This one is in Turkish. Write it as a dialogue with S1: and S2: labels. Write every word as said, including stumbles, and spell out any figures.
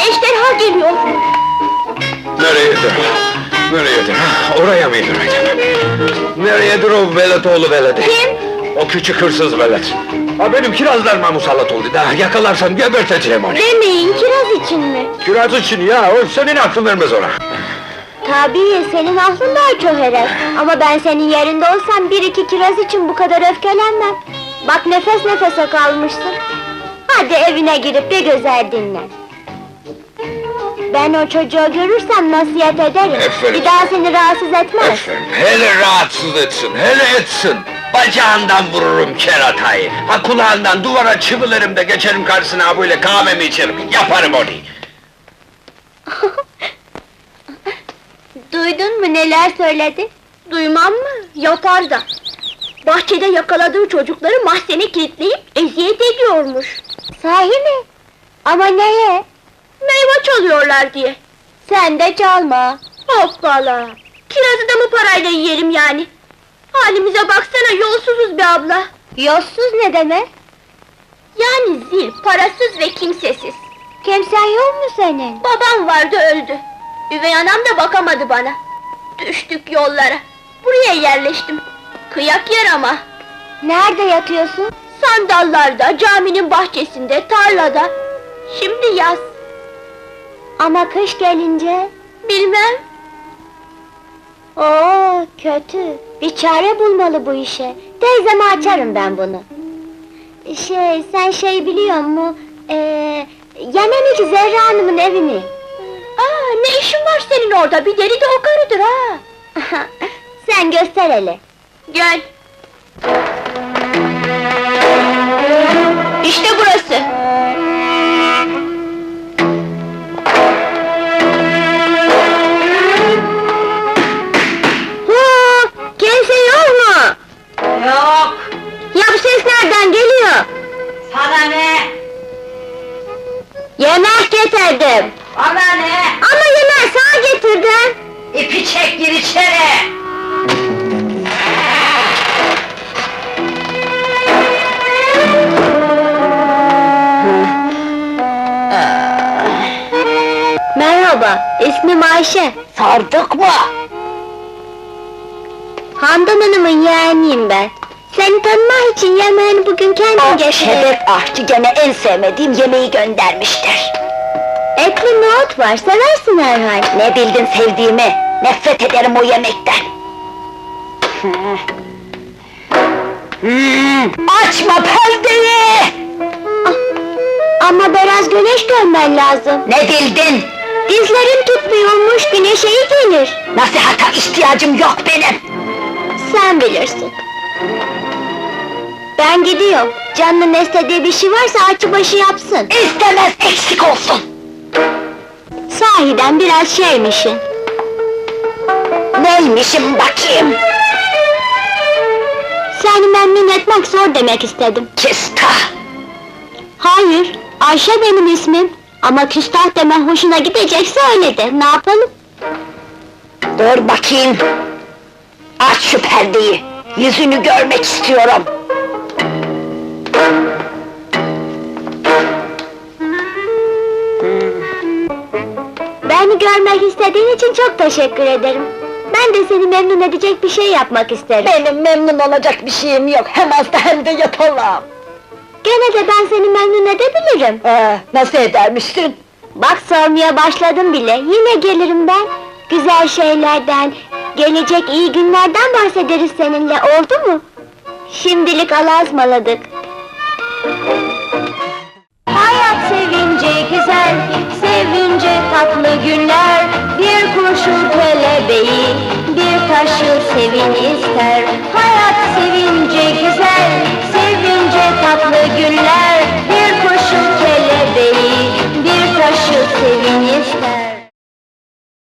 S1: ejderha geliyor!
S2: Nereyedir? Nereyedir? Ha, oraya mıydır acaba? Nereyedir o veletoğlu veledi?
S1: Kim?
S2: O küçük hırsız velet. Ha, benim kirazlarıma musallat oldu da, yakalarsam geberteceğim onu.
S1: Demeyin, kiraz için mi?
S2: Kiraz için ya, o senin aklın vermez ona.
S1: Tabii, senin aklın daha çöherek. Ama ben senin yerinde olsam bir iki kiraz için bu kadar öfkelenmem. Bak nefes nefese kalmışsın. Hadi evine girip bir güzel dinlen. Ben o çocuğu görürsem nasihat ederim.
S2: Aferin.
S1: Bir daha seni rahatsız etmez.
S2: Efendim, hele rahatsız etsin, hele etsin! Bacağından vururum keratayı! Ha kulağından duvara çivilerim de geçerim karşısına ha böyle kahvemi içerim, yaparım onu!
S1: Duydun mu neler söyledi? Duymam mı? Yapar da! Bahçede yakaladığı çocukları mahzene kilitleyip eziyet ediyormuş. Sahi mi? Ama neye? Meyve çalıyorlar diye. Sen de çalma! Hoppala! Kirazı da mı parayla yiyelim yani? Halimize baksana, yolsuzuz be abla! Yolsuz ne demek? Yani zil, parasız ve kimsesiz. Kimsen yok mu senin? Babam vardı, öldü. Üvey anam da bakamadı bana. Düştük yollara. Buraya yerleştim. Kıyak yer ama. Nerede yatıyorsun? Sandallarda, caminin bahçesinde, tarlada. Şimdi yaz. Ama kış gelince? Bilmem. Oo, kötü. Bir çare bulmalı bu işe. Teyzeme açarım ben bunu. Şey, sen şey biliyor musun? Ee, Yemen'deki Zerra Hanım'ın evini. Aa, ne işin var senin orada? Bir deli de o karıdır ha! Sen göster hele! Gel! İşte burası! Hu! Kimse yok mu?
S3: Yok!
S1: Ya bu ses nereden geliyor?
S3: Sana ne?
S1: Yemek getirdim!
S3: Bana ne?
S1: Ama yemeği sana getirdim!
S3: İpi çek, gir içeri!
S1: Merhaba, ismim Ayşe.
S3: Sardık mı?
S1: Handan Hanım'ın yeğeniyim ben. Seni tanımak için yemeğini bugün kendim getirdim.
S3: Şebek aşçı gene en sevmediğim yemeği göndermiştir.
S1: Etli nohut var, seversin herhal.
S3: Ne bildin sevdiğimi? Nefret ederim o yemekten! Hmm, açma perdeyi!
S1: Ama biraz güneş görmen lazım.
S3: Ne bildin?
S1: Dizlerin tutmuyormuş, güneşe iyi gelir.
S3: Nasihata ihtiyacım yok benim!
S1: Sen bilirsin. Ben gidiyorum. Canının istediği bir şey varsa açı başı yapsın.
S3: İstemez, eksik olsun!
S1: Sahiden biraz şeymişsin.
S3: Neymişim bakayım?
S1: Seni memnun etmek zor demek istedim.
S3: Küstah!
S1: Hayır, Ayşe benim ismim. Ama küstah demen hoşuna gidecekse öyle de, ne yapalım?
S3: Dur bakayım! Aç şu perdeyi! Yüzünü görmek istiyorum!
S1: Beni görmek istediğin için çok teşekkür ederim. Ben de seni memnun edecek bir şey yapmak isterim.
S3: Benim memnun olacak bir şeyim yok, hem hasta hem de yatalağım!
S1: Gene de ben seni memnun edebilirim.
S3: Ee, nasıl edermişsin?
S1: Bak sormaya başladım bile, yine gelirim ben. Güzel şeylerden, gelecek iyi günlerden bahsederiz seninle, oldu mu? Şimdilik Allah'a ısmarladık.